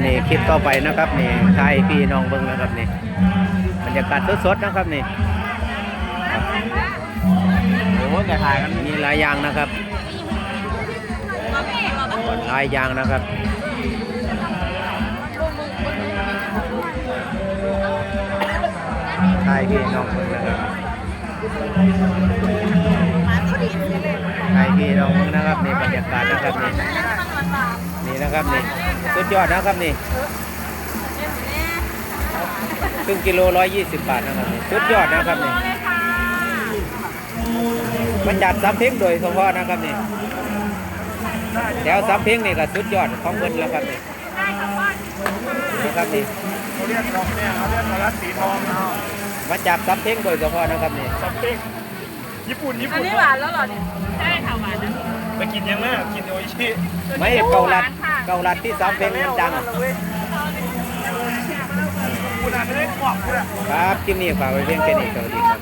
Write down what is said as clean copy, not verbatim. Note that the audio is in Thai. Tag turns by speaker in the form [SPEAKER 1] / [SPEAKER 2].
[SPEAKER 1] นี่คลิปต่อไปนะครับนี่ไทยพี่น้องเบิ้งนะครับนี่บรรยากาศสดๆนะครับนี่
[SPEAKER 2] โอ้ยแต่ถ่ายกัน
[SPEAKER 1] มีหลายอย่างนะครับหลายอย่างนะครับไทยพี่น้องเบิ้งนะครับไทยพี่น้องเบิ้งนะครับนี่บรรยากาศนะครับนี่นี่นะครับนี่สุดยอดนะครับนี่ครึ่งกิโล120 บาทนะครับนี่สุดยอดนะครับนี่มันจัดซ้ำเพ็งโดยเฉพาะนะครับนี่แถวซ้ำเพ็งนี่ก็สุดยอดของเงินแล้วครับนี่นะครับนี่
[SPEAKER 2] เขาเรียกดอกเนี่ยเขาเรียกสลัดสีทองเอา
[SPEAKER 1] มาจากซ้ำเพ็งโดยเฉพาะนะครับนี่
[SPEAKER 2] ซัมปิ้งญี่ปุ่น
[SPEAKER 3] อันนี้หวานแล้วเหรอเนี่ยใช่ค่ะหวานนะ
[SPEAKER 2] ไปกินยังไงกินโออิชิ
[SPEAKER 1] ไม่เกาลัดที่ซ้ำเพ็งมันดัง
[SPEAKER 2] คุณอาจจะได้กรอบคุณอะ
[SPEAKER 1] ครับคลิปนี้ฝากไว้เพียงแค่นี้สวัสดีครับ